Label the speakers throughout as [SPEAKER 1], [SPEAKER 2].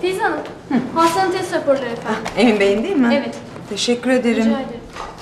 [SPEAKER 1] Filiz Hanım, hastanın test raporları efendim.
[SPEAKER 2] Emin Bey'in değil mi?
[SPEAKER 1] Evet.
[SPEAKER 2] Teşekkür ederim.
[SPEAKER 1] Rica ederim.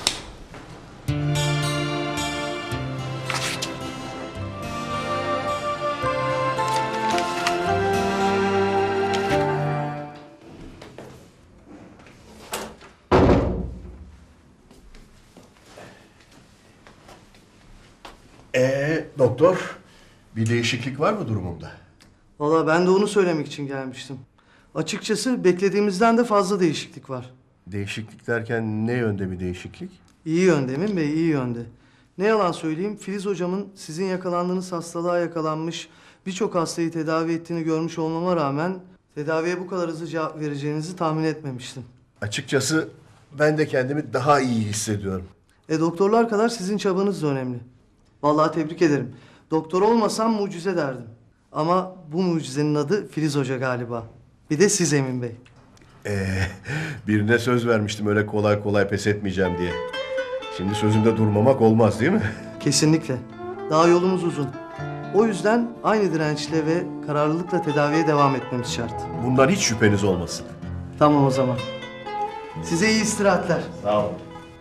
[SPEAKER 3] Doktor, bir değişiklik var mı durumumda?
[SPEAKER 4] Valla ben de onu söylemek için gelmiştim. Açıkçası beklediğimizden de fazla değişiklik var.
[SPEAKER 3] Değişiklik derken ne yönde bir değişiklik?
[SPEAKER 4] İyi yönde Emin Bey, iyi yönde. Ne yalan söyleyeyim, Filiz hocamın sizin yakalandığınız hastalığa yakalanmış birçok hastayı tedavi ettiğini görmüş olmama rağmen tedaviye bu kadar hızlı cevap vereceğinizi tahmin etmemiştim.
[SPEAKER 3] Açıkçası ben de kendimi daha iyi hissediyorum.
[SPEAKER 4] Doktorlar kadar sizin çabanız da önemli. Vallahi tebrik ederim. Doktor olmasam mucize derdim. Ama bu mucizenin adı Filiz Hoca galiba. Bir de siz Emin Bey.
[SPEAKER 3] Birine söz vermiştim öyle kolay kolay pes etmeyeceğim diye. Şimdi sözümde durmamak olmaz değil mi?
[SPEAKER 4] Kesinlikle. Daha yolumuz uzun. O yüzden aynı dirençle ve kararlılıkla tedaviye devam etmemiz şart.
[SPEAKER 3] Bundan hiç şüpheniz olmasın.
[SPEAKER 4] Tamam o zaman. Size iyi istirahatler.
[SPEAKER 3] Sağ olun.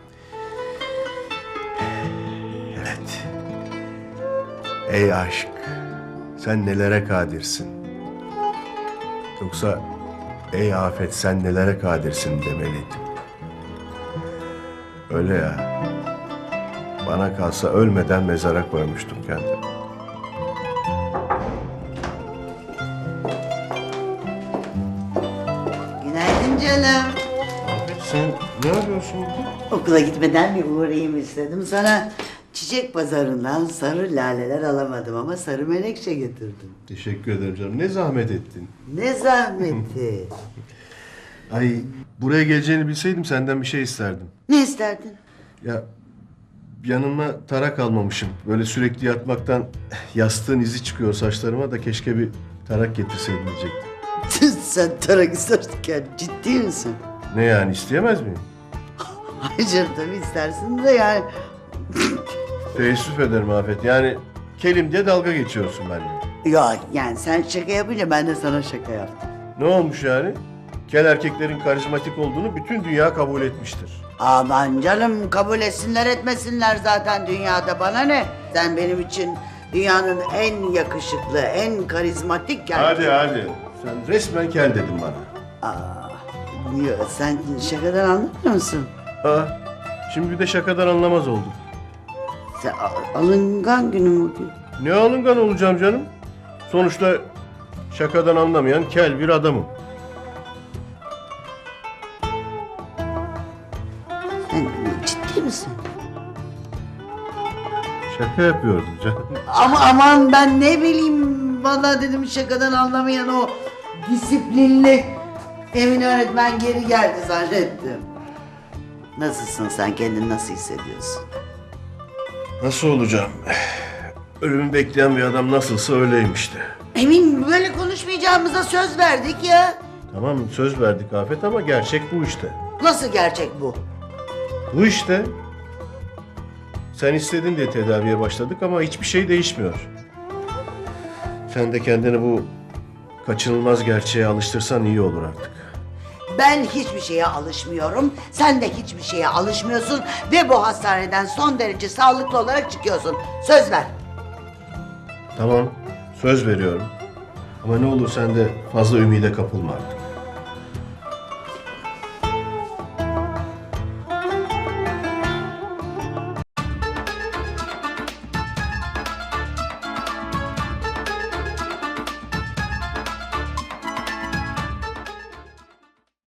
[SPEAKER 3] Evet. Ey aşk, sen nelere kadirsin? Yoksa ey afet sen nelere kadirsin demeliydim. Öyle ya. Bana kalsa ölmeden mezara koymuştum kendimi.
[SPEAKER 5] Günaydın canım.
[SPEAKER 3] Afet sen ne yapıyorsun burada?
[SPEAKER 5] Okula gitmeden bir uğrayayım istedim. Sana çiçek pazarından sarı laleler alamadım ama sarı menekşe getirdim.
[SPEAKER 3] Teşekkür ederim canım. Ne zahmet ettin.
[SPEAKER 5] Ne zahmeti.
[SPEAKER 3] Ay buraya geleceğini bilseydim senden bir şey isterdim.
[SPEAKER 5] Ne isterdin?
[SPEAKER 3] Ya yanıma tarak almamışım. Böyle sürekli yatmaktan yastığın izi çıkıyor saçlarıma da keşke bir tarak getirseydin diyecektim.
[SPEAKER 5] Sen tarak isterken ciddi misin?
[SPEAKER 3] Ne yani isteyemez miyim?
[SPEAKER 5] Hayır canım tabii istersin de yani.
[SPEAKER 3] Teessüf ederim Afet. Yani kelim diye dalga geçiyorsun benimle.
[SPEAKER 5] Yok yani sen şaka yapınca ben de sana şaka yaptım.
[SPEAKER 3] Ne olmuş yani? Kel erkeklerin karizmatik olduğunu bütün dünya kabul etmiştir.
[SPEAKER 5] Aman canım kabul etsinler etmesinler zaten dünyada bana ne? Sen benim için dünyanın en yakışıklı, en karizmatik
[SPEAKER 3] Hadi. Sen resmen kel dedin bana.
[SPEAKER 5] Yok sen şakadan anlamıyor musun?
[SPEAKER 3] Şimdi bir de şakadan anlamaz oldum.
[SPEAKER 5] Sen alıngan günüm bugün.
[SPEAKER 3] Ne alıngan olacağım canım? Sonuçta şakadan anlamayan kel bir adamım.
[SPEAKER 5] Sen ciddi misin?
[SPEAKER 3] Şaka yapıyordum canım.
[SPEAKER 5] Ama aman ben ne bileyim vallahi dedim şakadan anlamayan o disiplinli Emin öğretmen geri geldi zannettim. Nasılsın sen kendini nasıl hissediyorsun?
[SPEAKER 3] Nasıl olacağım? Ölümü bekleyen bir adam nasılsa öyleymişti.
[SPEAKER 5] Emin böyle konuşmayacağımıza söz verdik ya.
[SPEAKER 3] Tamam söz verdik Afet ama gerçek bu işte.
[SPEAKER 5] Nasıl gerçek bu?
[SPEAKER 3] Bu işte. Sen istedin diye tedaviye başladık ama hiçbir şey değişmiyor. Sen de kendini bu kaçınılmaz gerçeğe alıştırsan iyi olur artık.
[SPEAKER 5] Ben hiçbir şeye alışmıyorum. Sen de hiçbir şeye alışmıyorsun ve bu hastaneden son derece sağlıklı olarak çıkıyorsun. Söz ver.
[SPEAKER 3] Tamam söz veriyorum. Ama ne olur sen de fazla ümide kapılma artık.